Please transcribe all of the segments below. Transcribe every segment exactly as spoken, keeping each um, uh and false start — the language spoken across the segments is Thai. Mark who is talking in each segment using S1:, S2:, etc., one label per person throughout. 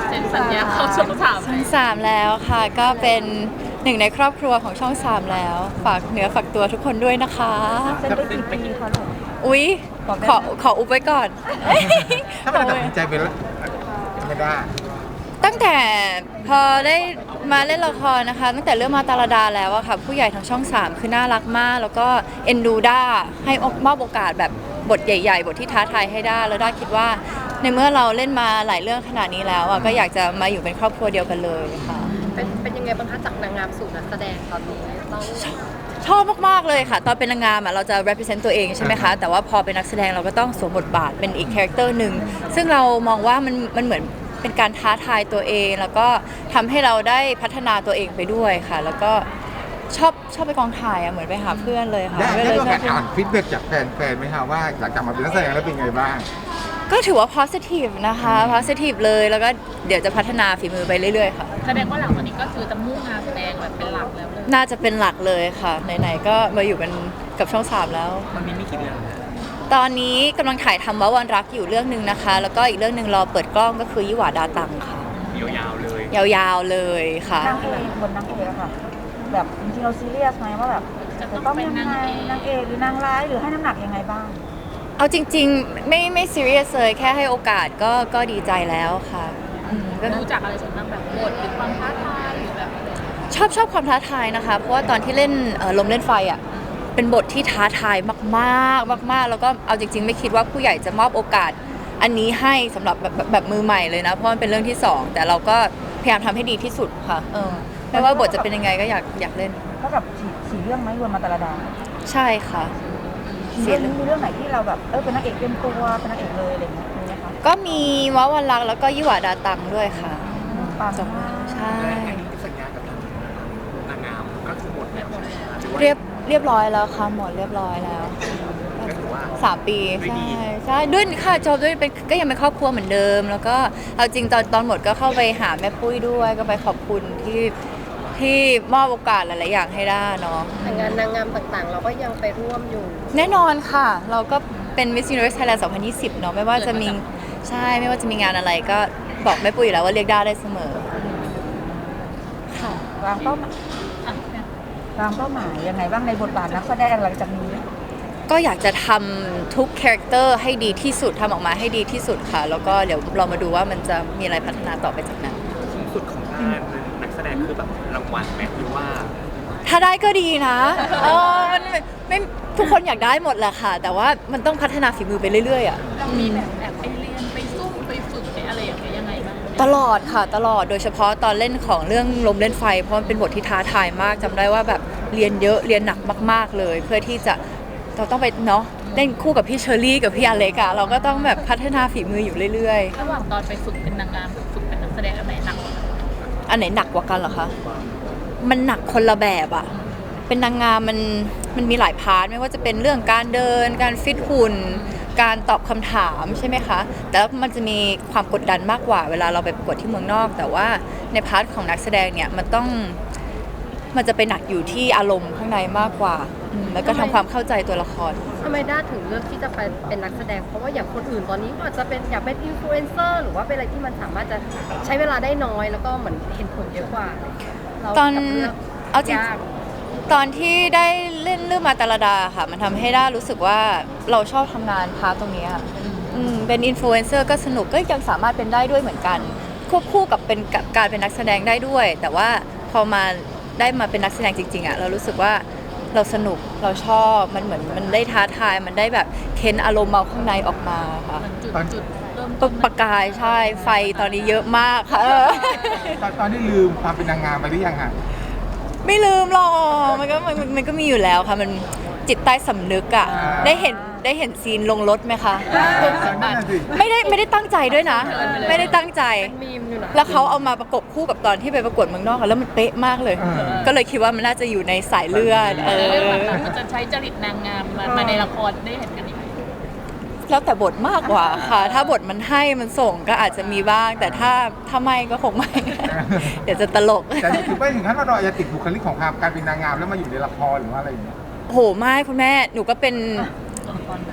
S1: เซ็นสัญญาเข้าช่องสาม
S2: ช่องสามแล้วค่ะก็เป็นหนึ่งในครอบครัวของช่องสามแล้วฝากเนื้อฝากตัวทุกคนด้วยนะคะ
S3: เซ็นไปกี่ปีคะลูก
S2: อุ๊ยขอขออุบไว้ก่อน
S4: ถ้ามันตัดสินใจไปแล้วไม่ได้
S2: ตั้งแต่พอได้มาเล่นละครนะคะ ตั้งแต่เรื่องมาตาลดาแล้วอะค่ะผู้ใหญ่ทางช่องสามคือน่ารักมาก แล้วก็เอ็นดูด้าให้มอบโอกาสแบบบทใหญ่ๆบทที่ท้าทายให้ด้าแล้วด้าคิดว่า ในเมื่อเราเล่นมาหลายเรื่องขนาดนี้แล้วอะก็อยากจะมาอยู่เป็นครอบครัวเดียวกันเลยค่ะ
S1: เป็นเป็นยังไงบ้างคะจากนางงามสู่นักแสดงตอนนี้ต้อง
S2: ชอบมากๆเลยค่ะ ตอนเป็นนางงามอะเราจะ represent ตัวเองใช่ไหมคะ แต่ว่าพอเป็นนักแสดงเราก็ต้องสวมบทบาทเป็นอีกคาแรคเตอร์หนึ่งซึ่งเรามองว่ามันมันเหมือนเป็นการท้าทายตัวเอง แล้วก็ทำให้เราได้พัฒนาตัวเองไปด้วยค่ะ แล้วก็ชอบชอบไปกองถ่ายอะเหมือนไปหาเพื่อนเลยค่ะ
S4: ได้
S2: ก็
S4: ได้
S2: เลย
S4: มีโอกาส
S2: ชอบ
S4: อ่านฟีดแบ็กจากแฟนๆไหมคะว่าหลังจากมาเป็นนักแสดงแล้วเป็นไงบ้าง
S2: ก็ถือว่า positive นะคะ positive เลยแล้วก็เดี๋ยวจะพัฒนาฝีมือไปเรื่อยๆค่ะ
S1: แสดงว่าหลังจากนี้ก็คือจะมุ่งงานแสดงแบบเป็นหลักแล้วเลย
S2: น่าจะเป็นหลักเลยค่ะไหนๆก็มาอยู่กันกับช่องสามแล้ว
S5: ตอนนี้มีกี่เรื่อง
S2: ตอนนี้กำลังถ่ายทำว่าวันรักอยู่เรื่องหนึ่งนะคะ แล้วก็อีกเรื่องหนึ่งรอเปิดกล้องก็คือยี่หวาดาตังค่ะ
S5: ยาวๆเลย
S2: ยาวๆเลยค่ะ
S3: นางเอกบนนางเอกอะค่ะ แบบจริงๆเราซีเรียสไหมว่าแบบจะต้องยังไงนางเอกหรือนางร้ายหรือให้น้ำหนักยังไงบ้าง
S2: เอาจริงๆ ไม่ไม่ซีเรียสเลยแค่ให้โอกาสก็ก็ดีใจแล้วค่ะอืมก็
S1: รู้จักอะไรส่วนมากแบบบทหรือความท้าทายหรือแบบ
S2: ชอบชอบความท้าทายนะคะ เพราะว่าตอนที่เล่นเอ่อลมเล่นไฟอ่ะเป็นบทที่ท้าทายมากๆมากๆ แล้วก็เอาจริง ๆ ไม่คิดว่าผู้ใหญ่จะมอบโอกาสอันนี้ให้สำหรับแบบแบบแบบมือใหม่เลยนะ เพราะมันเป็นเรื่องที่สองแต่เราก็พยายามทำให้ดีที่สุดค่ะเออไม่ว่าบทจะเป็นยังไงก็อยากอยากเล่น
S3: เท่ากับสี่สี่เรื่องไหมรวมมาตาลดา
S2: ใช่ค่ะ
S3: เรื่องนี้มีเรื่องไหนที่เราแบบเออเป็นนางเอกเต็มตัวเป็นนางเอกเลยอะไรอย่างเงี้ยมีไหมคะ
S2: ก็มีว้าวันรักแล้วก็ยี่หวาดาตังด้วยค่ะ
S3: ปัง
S2: จบ
S3: มาก
S2: ใช่
S5: สัญญากับนางงามก็คือหมดแล้วหรือว่า
S2: เรียบเรียบร้อยแล้วค่ะหมดเรียบร้อยแล้ว
S5: ก็ถือว่า
S2: สามปี
S5: ด้วยดี
S2: ใช่ใช่ด้วยค่ะจบด้วยเป็นก็ยังเป็นครอบครัวเหมือนเดิม แล้วก็เอาจริงตอนตอนหมดก็เข้าไปหาแม่ปุ้ยด้วย ก็ไปขอบคุณที่ที่มอบโอกาสหลาย ๆ อย่างให้ได้เนาะ
S1: แต่งานนางงามต่างๆ เราก็ยังไปร่วมอยู่
S2: แน่นอนค่ะ เราก็เป็น Miss Universe Thailand สองพันยี่สิบ เนาะไม่ว่าจะมีใช่ไม่ว่าจะมีงานอะไรก็บอกแม่ปุ้ยอยู่แล้วว่าเรียกได้ได้เสมอค่ะ
S3: วางเป้าหมาย
S1: อ่ะ
S3: วางเป้าหมายยังไงบ้างในบทบาทนักแสดงหลังจากนี้
S2: ก็อยากจะทำทุกคาแรคเตอร์ให้ดีที่สุดทำออกมาให้ดีที่สุดค่ะ แล้วก็เดี๋ยวเรามาดูว่ามันจะมีอะไรพัฒนาต่อไปจากนั้น
S5: สูงสุดของงานนักแสดงคือแบบรางวัลไหมหรือว่า
S2: ถ้าได้ก็ดีนะเออมันไม่ไม่ทุกคนอยากได้หมดแหละค่ะ แต่ว่ามันต้องพัฒนาฝีมือไปเรื่อยๆอ่ะ
S1: เรามีแบบแอบไปเรียนไปซุ่มไปฝึกไปอะไรอย่างเงี้ยยังไงบ้าง
S2: ตลอดค่ะตลอดโดยเฉพาะตอนเล่นของเรื่องลมเล่นไฟ เพราะมันเป็นบทที่ท้าทายมากจำได้ว่าแบบเรียนเยอะเรียนหนักมาก ๆเลย เพื่อที่จะเราต้องไปเนาะเล่นคู่กับพี่เชอรี่กับพี่อเล็กอะเราก็ต้องแบบพัฒนาฝีมืออยู่เรื่อย
S1: ระหว่างตอนไปฝึกเป็นนางงามกับฝึกเป็นนักแสดงอันไหนหนักกว่ากัน
S2: ๆ อันไหนหนักกว่ากันเหรอคะมันหนักคนละแบบอะเป็นนางงามมันมันมีหลายพาร์ทไม่ว่าจะเป็นเรื่องการเดิน การฟิตหุ่น การตอบคำถามใช่ไหมคะแต่ว่ามันจะมีความกดดันมากกว่าเวลาเราไปประกวดที่เมืองนอก แต่ว่าในพาร์ทของนักแสดงเนี่ยมันต้องมันจะไปหนักอยู่ที่อารมณ์ข้างในมากกว่าอืมแล้วก็ทำความเข้าใจตัวละคร
S1: ทำไมด้าถึงเลือกที่จะไปเป็นนักแสดง เพราะว่าอย่างคนอื่นตอนนี้ก็อาจจะเป็นอยากเป็นอินฟลูเอนเซอร์หรือว่าเป็นอะไรที่มันสามารถจะใช้เวลาได้น้อยแล้วก็เหมือนเห็นผลเยอะกว่าเรา
S2: ตอน
S1: กลับเลือก
S2: เอาจริง
S1: ยาก
S2: ตอนที่ได้เล่นเรื่องมาตาลดาค่ะ มันทำให้ด้ารู้สึกว่าเราชอบทำงานพาร์ทตรงนี้อะอืมเป็นอินฟลูเอนเซอร์ก็สนุกก็ยังสามารถเป็นได้ด้วยเหมือนกัน ควบคู่กับเป็นกับการเป็นนักแสดงได้ด้วย แต่ว่าพอมาได้มาเป็นนักแสดงจริงๆอ่ะเรารู้สึกว่าเราสนุกเราชอบมันเหมือนมันได้ท้าทายมันได้แบบเค้นอารมณ์เราข้างในออกมาค่ะ
S1: เหมือนจุด
S4: ตอน
S1: จุดเริ่ม
S2: ปประกายใช่ไฟตอนนี้เยอะมากค่ะเออ
S4: ตอนตอนนี้ลืมความเป็นนางงามไปหรือยังฮะ
S2: ไม่ลืมหรอกมันก็มันมันก็มีอยู่แล้วค่ะ มันจิตใต้สำนึกอะได้เห็นได้เห็นซีนลงรถไหมคะ
S4: นั่นน่ะสิ
S2: ไม่ได้ไม่ได้ตั้งใจด้วยนะ ไม่ได้ตั้งใจ
S1: เป็นมีมอยู่นะ
S2: แล้วเขาเอามาประกบคู่กับตอนที่ไปประกวดเมืองนอกอะแล้วมันเป๊ะมากเลย
S4: เออ
S2: ก็เลยคิดว่ามันน่าจะอยู่ในสายเลือดเออ
S1: เรื่องหลังๆมันจะใช้จริตนางงามมามาในละครได้เห็นกันอีกไหม
S2: แล้วแต่บทมากกว่าค่ะ ถ้าบทมันให้มันส่งก็อาจจะมีบ้าง แต่ถ้าถ้าไม่ก็คงไม่ เดี๋ยวจะตลก
S4: แต่ถึงไม่ถึงขั้นว่าเราอาจจะติดบุคลิกของความการเป็นนางงามแล้วมาอยู่ในละครหรือว่าอะไรอย่างเงี้ย
S2: โหไม่คุณแม่หนูก็เป็น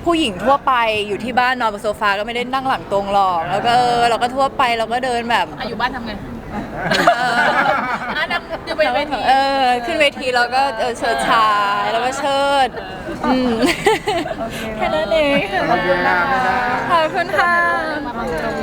S2: ผู้หญิงทั่วไปอยู่ที่บ้านนอนบนโซฟาก็ไม่ได้นั่งหลังตรงหรอก แล้วก็เออเราก็ทั่วไปเราก็เดินแบบ
S6: อายุบ้านทำไง
S2: เออ
S6: อ่ะนักอยู่ไปเวที
S2: เออขึ้นเวทีเราก็เออเชิดชายแล้วก็เชิดอืม
S3: โอเค
S2: แค่นั้นเอง
S4: ขอบคุณค่ะ
S2: ขอบคุณค่ะ